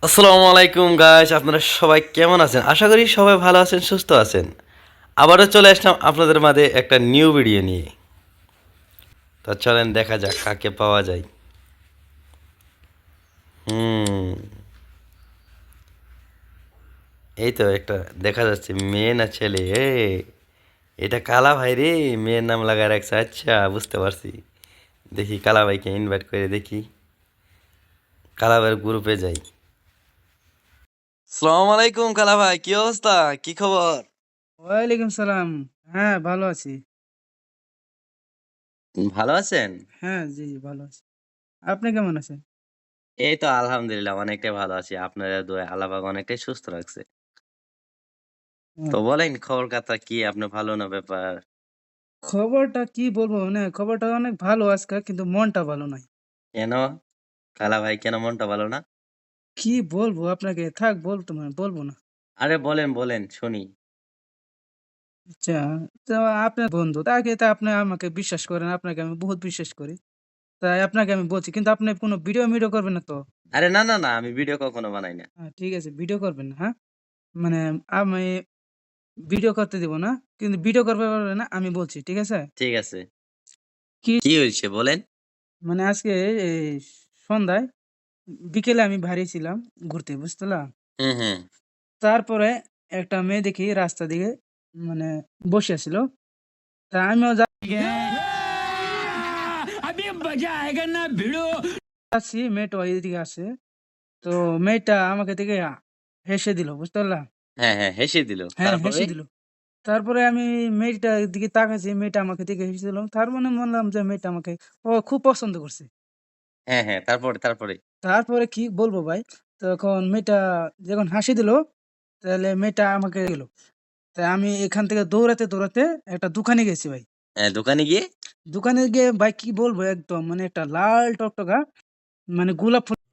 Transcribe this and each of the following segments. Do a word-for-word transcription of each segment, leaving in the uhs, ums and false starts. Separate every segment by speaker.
Speaker 1: আসসালামু আলাইকুম গাইস, আপনারা সবাই কেমন আছেন? আশা করি সবাই ভালো আছেন, সুস্থ আছেন। আবারও চলে আসলাম আপনাদের মাঝে একটা নিউ ভিডিও নিয়ে। তো চলেন দেখা যাক কাকে পাওয়া যায়। হুম এই তো একটা দেখা যাচ্ছে, মেয়ে না ছেলে? এ এটা কালা ভাই রে, মেয়ের নাম লাগায় রাখছে। আচ্ছা, বুঝতে পারছি। দেখি কালা ভাইকে ইনভাইট করে দেখি, কালা ভাইয়ের গ্রুপে যাই। আসসালামু আলাইকুম কালা ভাই, কি অবস্থা, কি খবর?
Speaker 2: ওয়ালাইকুম সালাম। হ্যাঁ, ভালো আছি।
Speaker 1: ভালো আছেন?
Speaker 2: হ্যাঁ, জি, জি, ভালো আছি। আপনি কেমন আছেন?
Speaker 1: এই তো আলহামদুলিল্লাহ অনেকটাই ভালো আছি। আপনাদের দোয়ায় আল্লাহ পাক অনেকটাই সুস্থ রাখছে।
Speaker 2: হুম।
Speaker 1: তো বলেন খবর কথা কি, আপনি ভালো না ব্যাপার?
Speaker 2: খবরটা কি বলবো? মানে খবরটা অনেক ভালো আজকে, কিন্তু মনটা ভালো নাই।
Speaker 1: কেন? কালা ভাই কেন মনটা ভালো না?
Speaker 2: কি বলবো আপনাকে? থাক বলতো না, বলবো না।
Speaker 1: আরে বলেন বলেন শুনি।
Speaker 2: আচ্ছা, তো আপনার বন্ধু তাকে তো আপনি আমাকে বিশ্বাস করেন, আপনাকে আমি বহুত বিশ্বাস করি। তাই আপনাকে আমি বলছি, কিন্তু আপনি কোনো ভিডিও মিডিও করবেন না তো?
Speaker 1: আরে না না না, আমি ভিডিও কখনো বানাই না।
Speaker 2: হ্যাঁ, ঠিক আছে, ভিডিও করবেন না, হ্যাঁ? মানে আমি ভিডিও করতে দিব না, কিন্তু ভিডিও করবে পারবে না আমি বলছি, ঠিক আছে?
Speaker 1: ঠিক আছে।
Speaker 2: কি
Speaker 1: কি হয়েছে বলেন?
Speaker 2: মানে আজকে এই সন্ধ্যায় বিকেলে আমি বাইরে ছিলাম ঘুরতে, বুঝলা?
Speaker 1: হুম হুম।
Speaker 2: তারপরে একটা মেয়ে দেখি রাস্তা দিকে, মানে বসে আছিল। তা আমিও যাচ্ছি, মেয়েটা ওইদিকে আসে। তো মেয়েটা আমাকে দেখে আ হেসে দিল, বুঝতে পারলা?
Speaker 1: হ্যাঁ হ্যাঁ, হেসে দিল,
Speaker 2: হ্যাঁ,
Speaker 1: তারপরে?
Speaker 2: হেসে দিল। তারপরে আমি মেয়েটার দিকে তাকাইছি, মেয়েটা আমাকে দেখে হেসে দিল। তার মানে বললাম যে মেয়েটা আমাকে ও খুব পছন্দ করছে।
Speaker 1: হ্যাঁ হ্যাঁ, তারপরে তারপরে?
Speaker 2: তারপরে কি বলবো ভাই? তখন মেয়েটা যখন হাসি দিল, তাহলে মেয়েটা আমাকে গেল। তাই আমি এখান থেকে দৌড়াতে, দৌড়াতে একটা দোকানে গেছি ভাই।
Speaker 1: হ্যাঁ, দোকানে গিয়ে?
Speaker 2: দোকানে গিয়ে ভাই কি বলবো, একদম মানে একটা লাল টকটকা মানে গোলাপ ফুল।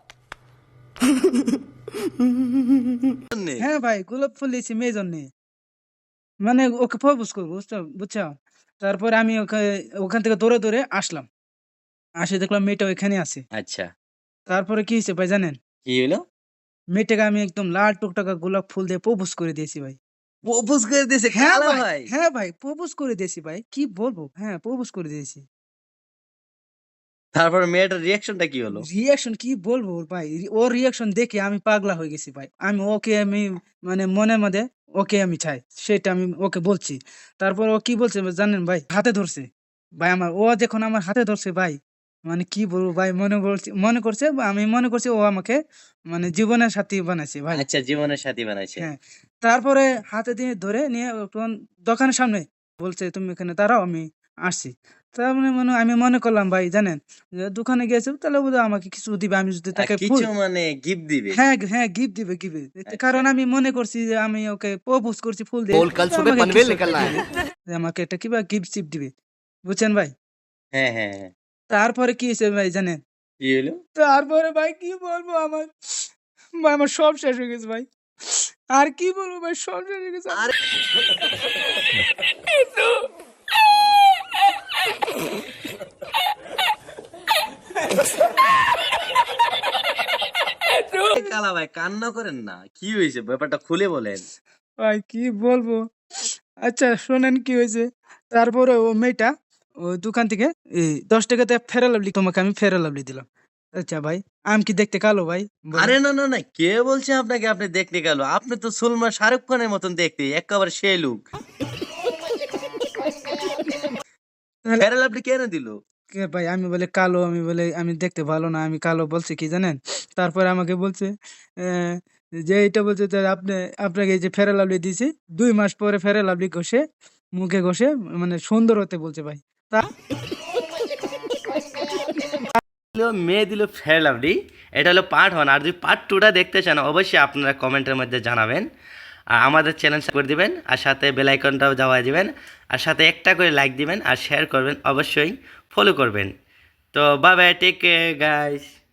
Speaker 1: জন্যে?
Speaker 2: হ্যাঁ ভাই, গোলাপ ফুল দিয়েছি মেয়ের জন্যে। মানে ওকে প্রপোজ করবো, বুঝছো বুঝছো? তারপরে আমি ওকে ওখান থেকে দৌড়ে, দৌড়ে আসলাম। আসে দেখলাম মেয়েটা ওইখানে আছে।
Speaker 1: আচ্ছা,
Speaker 2: তারপরে কি হইছে ভাই জানেন?
Speaker 1: কি হইলো?
Speaker 2: মেয়েটাকে আমি একদম লাল টকটকা গোলাপ ফুল দিয়ে প্রপোজ করে দিয়েছি ভাই।
Speaker 1: প্রপোজ করে দিয়েছে
Speaker 2: হ্যাঁ
Speaker 1: কালা
Speaker 2: ভাই,
Speaker 1: ভাই?
Speaker 2: হ্যাঁ ভাই, প্রপোজ করে দিয়েছি ভাই। কি বলবো? হ্যাঁ, প্রপোজ করে দিয়েছি।
Speaker 1: তারপরে মেয়েটার রিঅ্যাকশনটা কি হলো?
Speaker 2: রিঅ্যাকশন কি বলবো ওর ভাই? রি ওর রিঅ্যাকশন দেখে আমি পাগলা হয়ে গেছি ভাই। আমি ওকে আমি মানে মনের মধ্যে ওকে আমি চাই। সেটা আমি ওকে বলছি। তারপর ও কি বলছে জানেন ভাই? হাতে ধরছে। ভাই আমার ও যখন আমার হাতে ধরছে ভাই, মানে কি বলবো ভাই, মনে করছি মনে করছে বা আমি মনে করছি ও আমাকে মানে জীবনের সাথী বানাইছে ভাই।
Speaker 1: আচ্ছা, জীবনের সাথী বানাইছে।
Speaker 2: হ্যাঁ। তারপরে হাতে দিয়ে ধরে নিয়ে তখন দোকানের সামনে বলছে, "তুমি এখানে দাঁড়াও, আমি আসছি।" তার মানে মনে আমি মনে করলাম ভাই জানেন, যে দোকানে গিয়েছে তাহলে বোধহয় আমাকে কিছু দিবে। আমি যদি
Speaker 1: আ
Speaker 2: তাকে ফুল
Speaker 1: কিছু মানে গিফট দিবে?
Speaker 2: হ্যাঁ, হ্যাঁ, গিফট দিবে, গিফট।
Speaker 1: আচ্ছা।
Speaker 2: কারণ আমি মনে করছি যে আমি ওকে প্রপোজ করছি ফুল দিয়ে।
Speaker 3: बोल कल
Speaker 2: তো
Speaker 3: सुबह
Speaker 2: আমাকে
Speaker 3: पनवेल
Speaker 2: কিছু একটা
Speaker 3: निकलना
Speaker 2: দিবে।
Speaker 3: है।
Speaker 2: যে আমাকে একটা কিবা গিফট-সিফট দিবে। বুঝছেন ভাই?
Speaker 1: হ্যাঁ, হ্যাঁ, হ্যাঁ।
Speaker 2: তারপরে কি হইছে ভাই জানেন?
Speaker 1: কি হইলো?
Speaker 2: তারপরে ভাই কি বলবো, আমার ভাই আমার সব শেষ হয়ে গেছে ভাই। আর কি বলবো ভাই, সব শেষ হয়ে গেছে।
Speaker 1: আরে কালা ভাই কান্না করেন না। কি হইছে ব্যাপারটা খুলে বলেন।
Speaker 2: ভাই কি বলবো? আচ্ছা শোনেন কি হয়েছে? তারপরে ও মেয়েটা ওই দোকান থেকে এই ৳দশ তে ফেয়ার লাভলি, তোমাকে আমি ফেয়ার লাভলি দিলাম। আচ্ছা ভাই, আমি কি দেখতে কালো ভাই? বলেন।
Speaker 1: আরে না, না, না, কে বলছে আপনাকে আপনি দেখতে কালো? আপনি তো সুলমান শাহরুখ খানের মতন দেখতে, একেবারে সেই লুক।
Speaker 2: তাহলে
Speaker 1: ফেয়ার লাভলি কেন দিল?
Speaker 2: কে ভাই, আমি বলে কালো, আমি বলে আমি দেখতে ভালো না, আমি কালো বলছে কি জানেন? তারপরে আমাকে বলছে অ্যা যে এইটা বলছে যে আপনি আপনাকে এই যে ফেয়ার লাভলি দিয়েছি, দুই মাস পরে ফেয়ার লাভলি ঘষে মুখে ঘষে মানে সুন্দর হতে বলছে ভাই। তা
Speaker 1: হলো মেয়ে দিল ফেয়ার লাভলি। এটা হলো পার্ট ওয়ান। আর যদি পার্ট টুটা দেখতে চান অবশ্যই আপনারা কমেন্টের মধ্যে জানাবেন। আর আমাদের চ্যানেল সাবস্ক্রাইব করে দিবেন, আর সাথে বেল আইকনটাও দাবায় দিবেন, আর সাথে একটা করে লাইক দিবেন আর শেয়ার করবেন, অবশ্যই ফলো করবেন। তো bye bye, take care guys.